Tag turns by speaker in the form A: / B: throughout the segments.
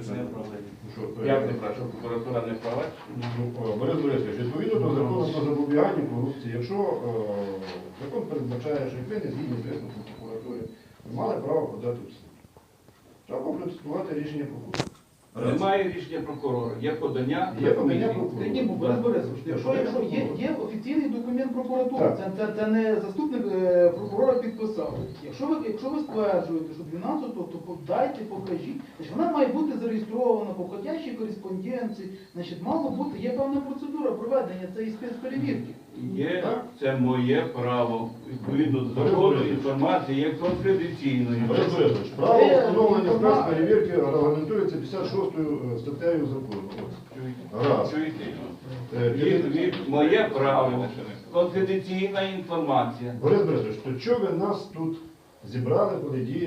A: Не правий. Як не прав, що прокуратура не права?
B: Борис Борисович, відповідно до закону про запобігання корупції, якщо закон передбачає, що як ви не згідні з висновком прокуратури, ви мали право подати в суд. Треба процитувати рішення прокурора.
A: Немає рішення прокурора, є подання.
B: Є подання прокурора.
C: Ні, Борис Борисович, якщо є офіційний документ прокуратури, це не заступник прокурора підписав. Якщо ви стверджуєте, що 12-го, то дайте, покажіть. Значить, вона має бути зареєстрована по входящій кореспонденції. Значить, мало бути, є певна процедура проведення цієї спецперевірки.
A: Є, це моє право. Відповідно до закону інформація є конфіденційною.
B: Борис Борисович, право встановлення спецперевірки регламентується 56 статтею закону. Раз.
A: Моє право. Конфіденційна інформація.
B: Борис Борисович, то чого ви нас тут зібрали, коли діє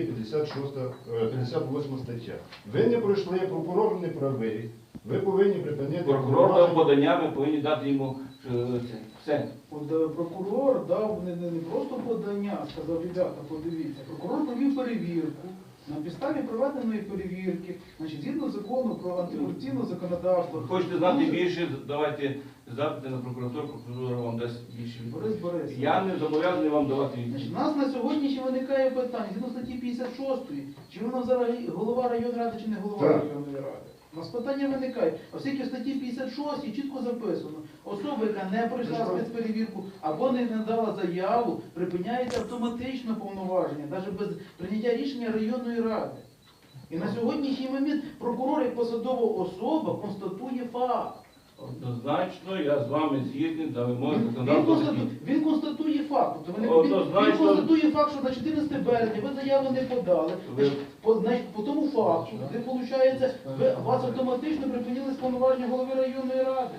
B: 58 стаття? Ви не пройшли, прокурор не правий. Ви повинні припинити...
A: Прокурор дав подання, ми повинні дати йому все.
C: От прокурор дав не просто подання, сказав, ребята, подивіться. Прокурор провів перевірку. На підставі проведеної перевірки, значить, згідно закону про антикорупційне законодавство.
A: Хочете знати більше, давайте запити на прокуратуру, прокуратура вам дасть більше.
C: Борис Борисович,
A: Я не зобов'язаний вам давати відповідь.
C: у нас на сьогодні ще виникає питання, згідно статті 56, чи вона взагалі голова районної ради, чи не голова районної ради. У нас питання виникає. Оскільки в статті 56 чітко записано, особа, яка не пройшла спецперевірку або не надала заяву, припиняється автоматично повноваження, навіть без прийняття рішення районної ради. І на сьогоднішній момент прокурор як посадова особа констатує факт.
A: Однозначно, я з вами згідний, за вимоги законодавства.
C: Він констатує факт. Тобто
A: Однозначно.
C: він констатує факт, що на 14 березня ви заяву не подали. Значить, по тому факту, де виходить, вас автоматично припинили повноваження голови районної ради.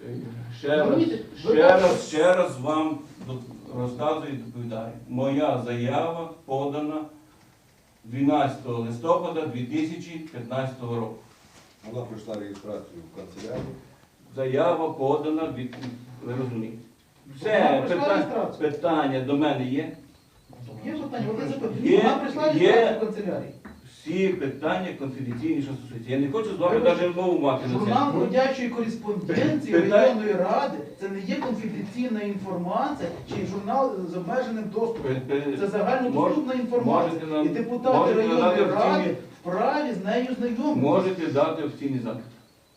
A: Ще раз вам розказую і доповідаю. Моя заява подана 12 листопада 2015 року.
D: Вона пройшла реєстрацію в канцелярії.
A: Заява подана, ви розумієте. Все, питання до мене є?
C: Є питання?
A: Є,
C: Вона прийшла реєстрацію в канцелярії.
A: Всі питання конфіденційні, що стосуються. Я не хочу з вами навіть мову мати на
C: Журнал
A: це.
C: ходячої кореспонденції районної ради – це не є конфіденційна інформація, чи журнал з обмеженим доступом. Це загальнодоступна інформація. І депутати районної ради вправі з нею знайомі.
A: Можете дати офіційний запит.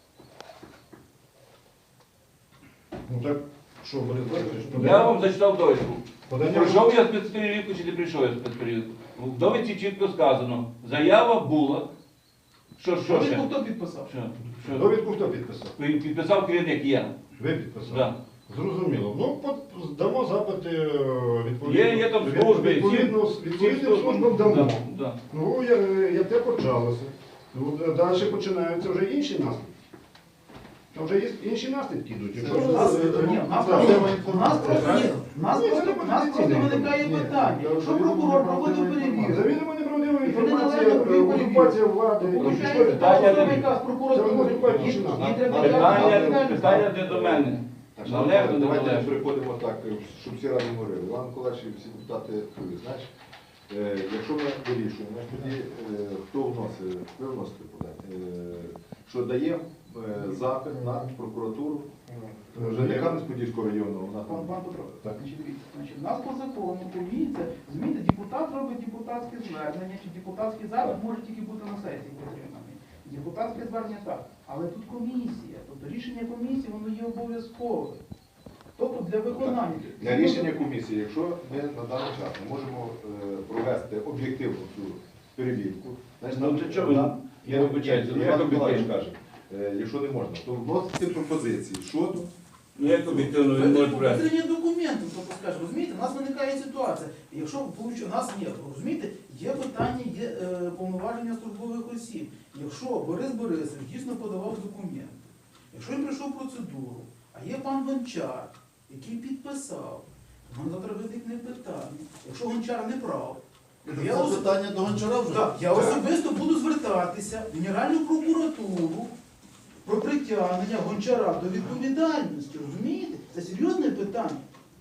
B: Ну так, що, Борис Борисович?
A: Я вам зачитав довідку.
B: Подання...
A: Прийшов я спецперевірку чи не прийшов я спецперевірку? В довідці чітко сказано. Заява була. Що ще?
C: Довідку хто підписав?
A: Що?
B: Довідку хто підписав?
A: Підписав керівник я.
B: Ви підписали?
A: Да.
B: Зрозуміло. Ну, здамо запити відповідно.
A: Є там служби.
B: Відповідним службам дамо.
A: Да.
B: Ну, як те почалося. Ну, далі починаються вже інші наслідки. Там вже є інші наслідки йдуть.
C: У нас просто виникає питання. Якщо прокурор проводив перевірку,
B: За він не правдива інформація, окупація влади.
A: Питання не до мене.
D: Давайте приходимо так, щоб всі разом говорили. Іван Миколаївич і всі депутати чують. Знаєш, якщо ми вирішуємо, тоді хто вносить, ви вносите подання, що даємо запит на прокуратуру Кам'янець-Подільського району.
C: Пан Петро, у нас по закону комісія, змінити, депутат робить депутатське звернення, чи депутатський запит може тільки бути на сесії підтриманий. Депутатське звернення так, але тут комісія, тобто рішення комісії, воно є обов'язкове. Тобто для виконання.
D: Для рішення комісії, якщо ми на даний час не можемо провести об'єктивну цю перевірку,
A: Я вибачаюся, як об'єктивно
D: каже, якщо не можна, то вносити пропозиції щодо
A: як об'єктивно він може брати.
C: Підтримання документів, тобто скаже, розумієте, у нас виникає ситуація. Якщо у нас є, розумієте, є питання, є повноваження службових осіб. Якщо Борис Борисович дійсно подавав документи, якщо він пройшов процедуру, а є пан Гончар, який підписав, нам завтра виникне питання. Якщо Гончар не прав,
E: це питання до Гончара вже?
C: Так, я особисто буду звертатися в Генеральну прокуратуру про притягнення Гончара до відповідальності, розумієте? Це серйозне питання.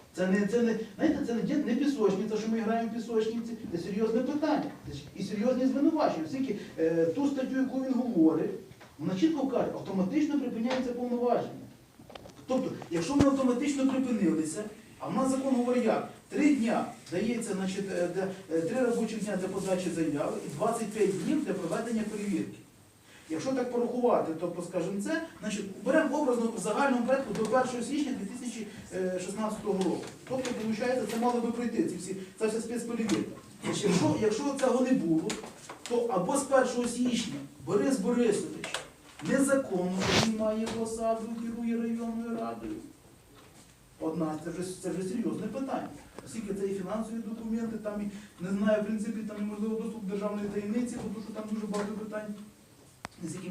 C: Знаєте, це не пісочниця, що ми граємо в пісочниці, це серйозне питання. Це і серйозні звинувачення. Оскільки ту статтю, яку він говорить, вона чітко каже, автоматично припиняється повноваження. Тобто, якщо ми автоматично припинилися, а в нас закон говорить як? 3 дня дається, значить, 3 робочих дня для подачі заяви і 25 днів для проведення перевірки. Якщо так порахувати, то, скажімо, це, значить, беремо образно в загальному порядку до 1 січня 2016 року. Тобто, виходить, це мало би пройти, ця вся спецперевірка. Якщо цього не було, то або з 1 січня Борис Борисович незаконно займає посаду, керує районною радою. Одна, це вже серйозне питання. Оскільки це і фінансові документи, там і, не знаю, в принципі, там неможливо доступ до державної таємниці, тому що там дуже багато питань, з якими